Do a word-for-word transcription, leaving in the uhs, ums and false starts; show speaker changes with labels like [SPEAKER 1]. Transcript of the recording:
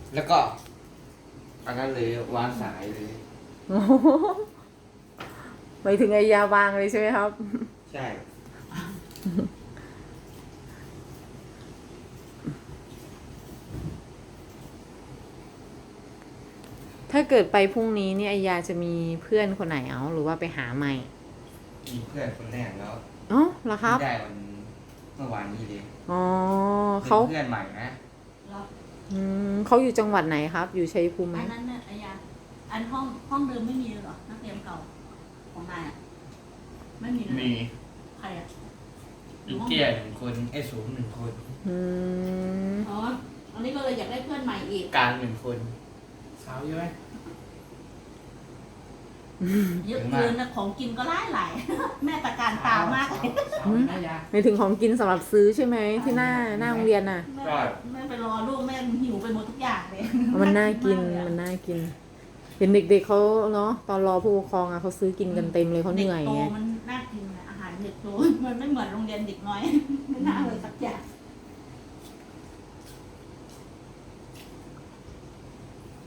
[SPEAKER 1] แล้วก็อันนั้นเลยวางสายเลย
[SPEAKER 2] ไปถึงไอยาวางเลยใช่ไหมครับ
[SPEAKER 1] ใช่
[SPEAKER 2] ถ้าเกิดไปพรุ่งนี้เนี่ยไอยาจะมีเพื่อนคนไหนเอาหรือว่าไปหาใหม่
[SPEAKER 1] มีเพื่อนคนแรกแล้ว
[SPEAKER 2] อ๋อเหรอครับ
[SPEAKER 1] ที่ได้วันเมื่อวานนี้เลย
[SPEAKER 2] อ๋อ
[SPEAKER 1] เป็น
[SPEAKER 2] เขา
[SPEAKER 1] เพื่อนใหม่นะ
[SPEAKER 3] เหรอ
[SPEAKER 2] อืมเขาอยู่จังหวัดไหนครับ อยู่ชัยภูมิไหม
[SPEAKER 3] อันนั้นเนี่ยอายาอันห้องห้องเดิมไม่มีเลยเหรอนักเรียนเก่าของนายอ่ะไม่มีเลย
[SPEAKER 1] มี
[SPEAKER 3] ใครอ่ะ
[SPEAKER 1] อีเตี้ยหนึ่งคนไอ้สูงหนึ่งคน
[SPEAKER 2] อืม
[SPEAKER 3] อ๋ออันนี้ก็เลยอยากได้เพื่อนใหม่อีก
[SPEAKER 1] กลางหนึ่งคนสาวเยอะไหม
[SPEAKER 3] เยอะเกินนะของกินก็หลายหลาย แม่ตะการตามากเลย
[SPEAKER 1] สาวน่ายา
[SPEAKER 2] ในถึงของกินสำหรับซื้อใช่ไหมที่หน้าหน้าโรงเรียนน่ะ
[SPEAKER 3] แม่แม่ไปรอลูกแม่หิวไปหมดทุกอย่างเลย
[SPEAKER 2] มันน่ากินมันน่ากิน เห็นเด็กๆเขาเนาะตอนรอผู้ปกครองอ่ะเขาซื้อกินกันเต็มเลยเขาเหนื่อย
[SPEAKER 3] ด็กโต
[SPEAKER 2] ไง
[SPEAKER 3] มันน่ากินนะอาหารเด็กโตมันไม่เหมือนโรงเรียนเด็กน้อย ไม่น่าเลยสักอย่าง